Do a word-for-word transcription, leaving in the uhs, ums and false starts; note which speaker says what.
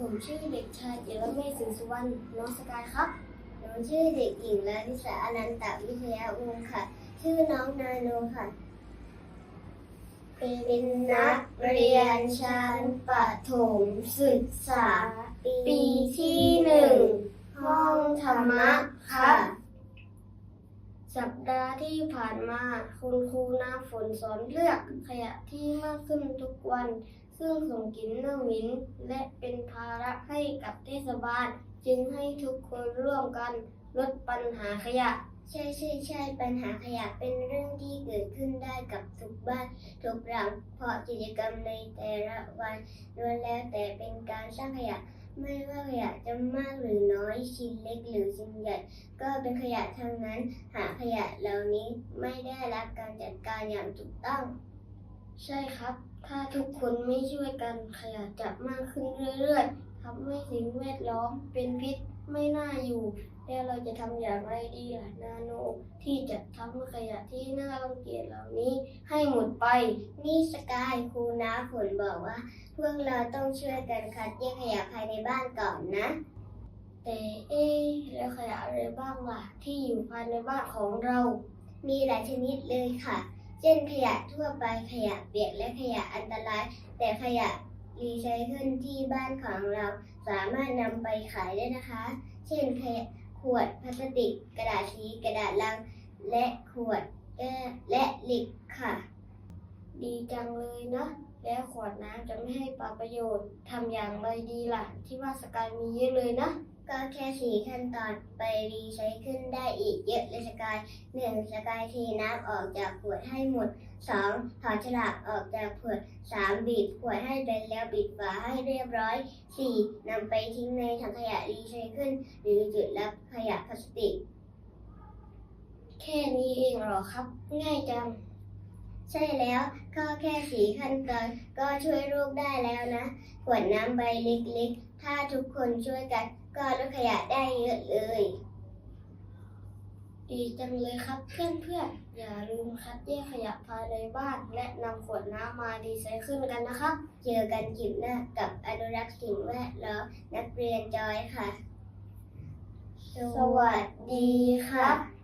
Speaker 1: ผมชื่อเด็กชายเจรเมศสิงห์สุวรรณน้องสกายครับ
Speaker 2: หนูชื่อเด็กหญิงลลิสาอนันตวิทยาวงศ์ค่ะ ชื่อน้องนาโนค่ะ เป็นนักเรียนชั้นประถมศึกษา ปีที่หนึ่งห้องธรรมะค่ะ
Speaker 1: สัปดาห์ที่ผ่านมาคุณครูน้ำฝนสอนเลือกขยะที่มากขึ้นทุกวัน ซึ่งส่งกลิ่นเน่าเหม็นและเป็นภาระให้กับเทศบาล จึงให้ทุกคนร่วมกันลดปัญหาขยะ
Speaker 2: ใช่ใช่ใช่ปัญหาขยะเป็นเรื่องที่เกิดขึ้นได้กับทุกบ้านทุกหลังเพราะกิจกรรมในแต่ละวันล้วนแล้วแต่เป็นการสร้างขยะ ไม่ว่าขยะจะมากหรือน้อยชิ้นเล็กหรือชิ้นใหญ่ ก็เป็นขยะทั้งนั้น หากขยะเหล่านี้ไม่ได้รับการจัดการอย่างถูกต้อง
Speaker 1: ใช่ครับ ถ้าทุกคนไม่ช่วยกันขยะจะมากขึ้นเรื่อยๆทำให้สิ่งแวดล้อมเป็นพิษไม่น่าอยู่ แล้วเราจะทำอย่างไรดีล่ะนาโนที่จะทำให้ขยะที่น่ารังเกียจเหล่านี้ให้หมดไป
Speaker 2: นี่สกายครูน้าฝนบอกว่า พวกเราต้องช่วยกันคัดแยกขยะภายในบ้านก่อนนะ
Speaker 1: แต่เอ๊ะแล้วขยะอะไรบ้างล่ะที่อยู่ภายในบ้านของเรา
Speaker 2: มีหลายชนิดเลยค่ะ เช่นขยะทั่วไปขยะเปียกและขยะอันตราย แต่ขยะรีไซเคิลที่บ้านของเราสามารถนำไปขายได้นะคะ เช่นขยะขวดพลาสติก กระดาษสีกระดาษลัง และขวดแก้วและเหล็กค่ะ
Speaker 1: ดีจังเลยนะ แล้วขวดน้ำจะไม่ให้ปาประโยชน์ทำอย่างไรดีล่ะ ที่ว่าสกายมีเยอะเลยนะ
Speaker 2: ก็แค่สี่ขั้นตอนไปรีไซเคิลได้อีกเยอะเลยสกายหนึ่งสกายเทน้ำออกจากขวดให้หมดสองถอดฉลากออกจากขวดสามบีบขวดให้เป็นแล้วปิดฝาให้เรียบร้อยสี่นำไปทิ้งในถังขยะรีไซเคิลหรือจุดรับขยะพลาสติก
Speaker 1: แค่นี้เองเหรอครับ ง่ายจัง
Speaker 2: ใช่แล้วก็แค่สี่ขั้นตอนก็ช่วยโลกได้แล้วนะขวดน้ำใบเล็กๆถ้าทุกคนช่วยกันก็ลดขยะได้เยอะเลย
Speaker 1: ดีจังเลยครับเพื่อนๆ อย่าลืมคัดแยกขยะภายในบ้านและนำขวดน้ำมารีไซเคิลกันนะครับ
Speaker 2: เจอกันคลิปหน้ากับอนุรักษ์สิ่งแวดล้อมนักเรียนจอยค่ะ
Speaker 1: สวัสดีครับ